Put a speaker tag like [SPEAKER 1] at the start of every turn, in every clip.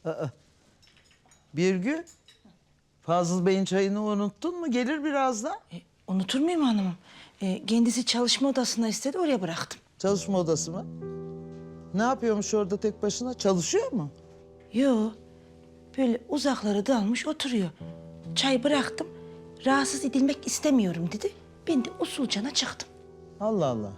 [SPEAKER 1] Birgül, Fazıl Bey'in çayını unuttun mu? Gelir birazdan.
[SPEAKER 2] Unutur muyum hanımım? Kendisi çalışma odasına istedi, oraya bıraktım.
[SPEAKER 1] Çalışma odası mı? Ne yapıyormuş orada tek başına? Çalışıyor mu?
[SPEAKER 2] Yo, böyle uzaklara dalmış oturuyor. Çay bıraktım, rahatsız edilmek istemiyorum dedi. Ben de usulcana çıktım.
[SPEAKER 1] Allah Allah.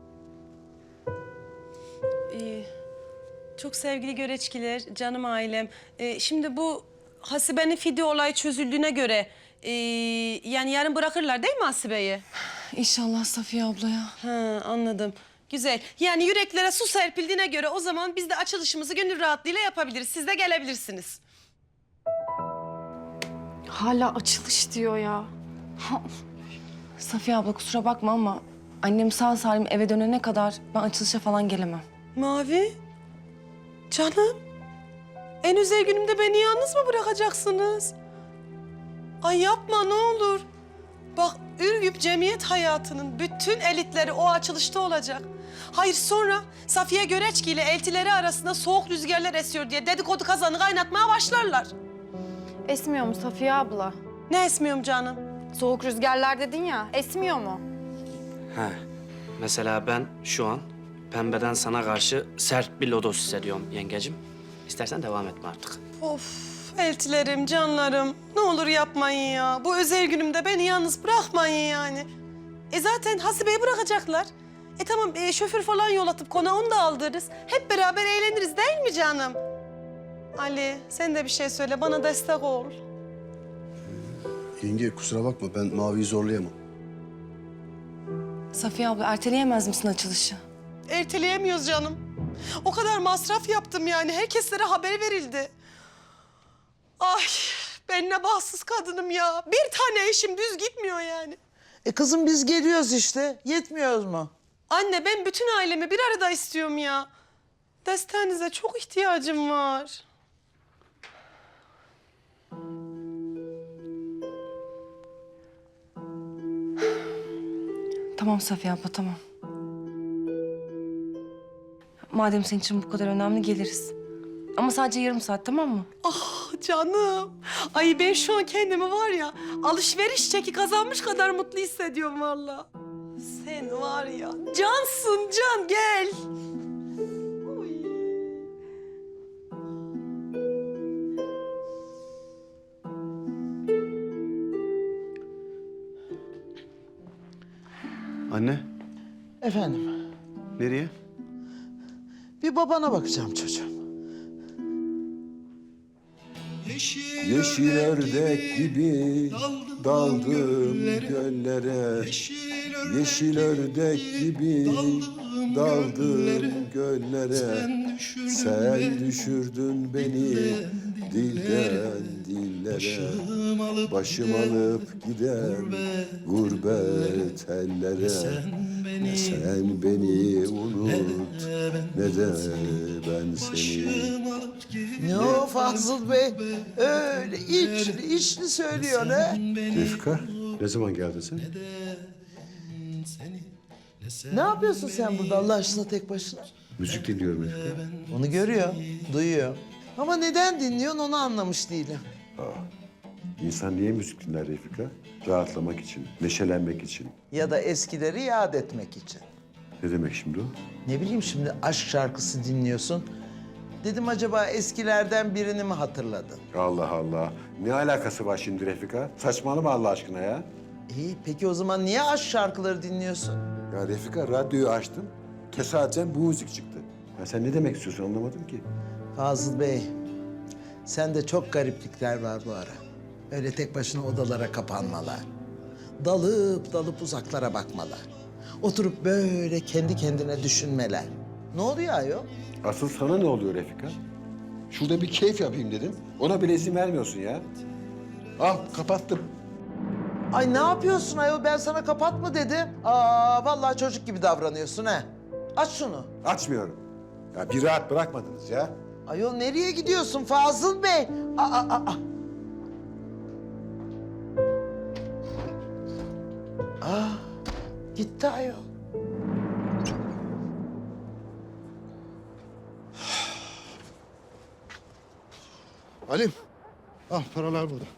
[SPEAKER 3] Çok sevgili göreçkiler, canım ailem. Şimdi bu Hasibe'nin fidye olayı çözüldüğüne göre... yani yarın bırakırlar değil mi Hasibe'yi?
[SPEAKER 4] İnşallah Safiye ablaya.
[SPEAKER 3] Ha, anladım. Güzel. Yani yüreklere su serpildiğine göre o zaman biz de açılışımızı gönül rahatlığıyla yapabiliriz. Siz de gelebilirsiniz.
[SPEAKER 4] Hala açılış diyor ya. Safiye abla kusura bakma ama annem sağ salim eve dönene kadar ben açılışa falan gelemem.
[SPEAKER 3] Mavi, canım. En özel günümde beni yalnız mı bırakacaksınız? Ay yapma ne olur. Bak Ürgüp cemiyet hayatının bütün elitleri o açılışta olacak. Hayır sonra Safiye Göreçki ile eltileri arasında soğuk rüzgarlar esiyor diye dedikodu kazanı kaynatmaya başlarlar.
[SPEAKER 5] Esmiyor mu Safiye abla?
[SPEAKER 3] Ne esmiyorum canım?
[SPEAKER 5] Soğuk rüzgarlar dedin ya, esmiyor mu?
[SPEAKER 6] He. Mesela ben şu an pembeden sana karşı sert bir lodos hissediyorum yengecim. İstersen devam etme artık.
[SPEAKER 3] Of eltilerim, canlarım. Ne olur yapmayın ya. Bu özel günümde beni yalnız bırakmayın yani. Zaten Hasibe'yi bırakacaklar. Tamam şoför falan yol atıp konağa onu da aldırırız. Hep beraber eğleniriz değil mi canım? Ali sen de bir şey söyle bana destek ol.
[SPEAKER 7] Yenge kusura bakma ben Mavi'yi zorlayamam.
[SPEAKER 4] Safiye abla erteleyemez misin açılışı?
[SPEAKER 3] Erteleyemiyoruz canım. O kadar masraf yaptım yani. Herkeslere haber verildi. Ay ben ne bahtsız kadınım ya. Bir tane eşim düz gitmiyor yani.
[SPEAKER 1] Kızım biz geliyoruz işte. Yetmiyoruz mu?
[SPEAKER 3] Anne ben bütün ailemi bir arada istiyorum ya. Desteğinize çok ihtiyacım var.
[SPEAKER 4] Tamam Safiye abla tamam. Madem senin için bu kadar önemli geliriz. Ama sadece yarım saat tamam mı?
[SPEAKER 3] Ah canım. Ay ben şu an kendimi var ya alışveriş çeki kazanmış kadar mutlu hissediyorum vallahi. Sen var ya cansın can gel. Oy.
[SPEAKER 7] Anne
[SPEAKER 1] Efendim,
[SPEAKER 7] nereye?
[SPEAKER 1] bir babana bakacağım çocuğum.
[SPEAKER 8] Yeşil ördek gibi daldım göllere. Yeşil ördek gibi daldım göllere. Sen düşürdün beni dilden dillere. Başım alıp giden gurbet ellere. Ne sen beni unut ne de ben seni.
[SPEAKER 1] Ne o Fazıl Bey? Öyle içli söylüyor ne?
[SPEAKER 8] Refika, ne zaman geldin sen?
[SPEAKER 1] Ne yapıyorsun sen burada Allah aşkına tek başına?
[SPEAKER 8] Müzik dinliyorum Refika.
[SPEAKER 1] Onu görüyor, duyuyor. Ama neden dinliyorsun onu anlamış değilim.
[SPEAKER 8] İnsan niye müzik dinler Refika? Rahatlamak için, neşelenmek için.
[SPEAKER 1] Ya da eskileri yad etmek için.
[SPEAKER 8] Ne demek şimdi o?
[SPEAKER 1] Ne bileyim şimdi aşk şarkısı dinliyorsun. Dedim acaba eskilerden birini mi hatırladın?
[SPEAKER 8] Allah Allah. Ne alakası var şimdi Refika? Saçmalama Allah aşkına ya.
[SPEAKER 1] İyi peki o zaman niye aşk şarkıları dinliyorsun?
[SPEAKER 8] Ya Refika radyoyu açtım. Tesadüfen bu müzik çıktı. Ya sen ne demek istiyorsun anlamadım ki.
[SPEAKER 1] Fazıl Bey, sende çok gariplikler var bu ara. Öyle tek başına odalara kapanmalar. Dalıp dalıp uzaklara bakmalar. Oturup böyle kendi kendine düşünmeler. Ne oluyor ayol?
[SPEAKER 8] Asıl sana ne oluyor Refika? Şurada bir keyif yapayım dedim. Ona bile izin vermiyorsun ya. Al kapattım.
[SPEAKER 1] Ay ne yapıyorsun ayol? Ben sana kapatma dedim. Vallahi çocuk gibi davranıyorsun ha. Aç şunu.
[SPEAKER 8] Açmıyorum. Ya bir rahat bırakmadınız ya.
[SPEAKER 1] Ayol nereye gidiyorsun Fazıl Bey? Gitti ayol.
[SPEAKER 9] Halim, al paralar burada.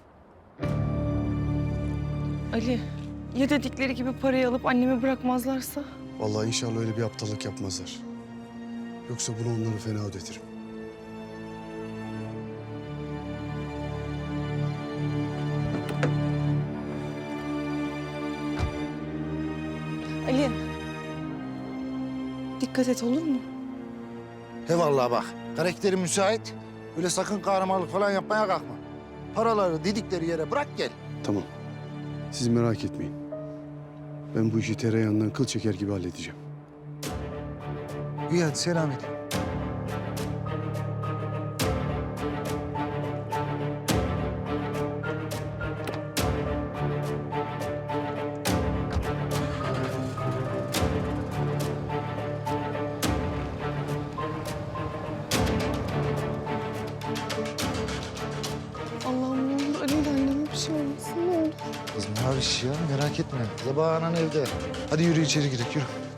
[SPEAKER 4] Ali, ya dedikleri gibi parayı alıp annemi bırakmazlarsa?
[SPEAKER 7] Vallahi inşallah öyle bir aptallık yapmazlar. Yoksa bunu onları fena ödetirim.
[SPEAKER 4] Ali, dikkat et olur mu?
[SPEAKER 9] He vallahi bak, karakteri müsait. Öyle sakın kahramanlık falan yapmaya kalkma. Paraları dedikleri yere bırak gel.
[SPEAKER 7] Tamam. Siz merak etmeyin. Ben bu işi tereyağından kıl çeker gibi halledeceğim.
[SPEAKER 9] İyi hadi selamet.
[SPEAKER 4] Allah'ım ne olur Ali ile anneme bir şey olmasın ne olur.
[SPEAKER 9] Kız Maviş ya merak etme. Sabah anan evde. Hadi yürü içeri gidelim yürü.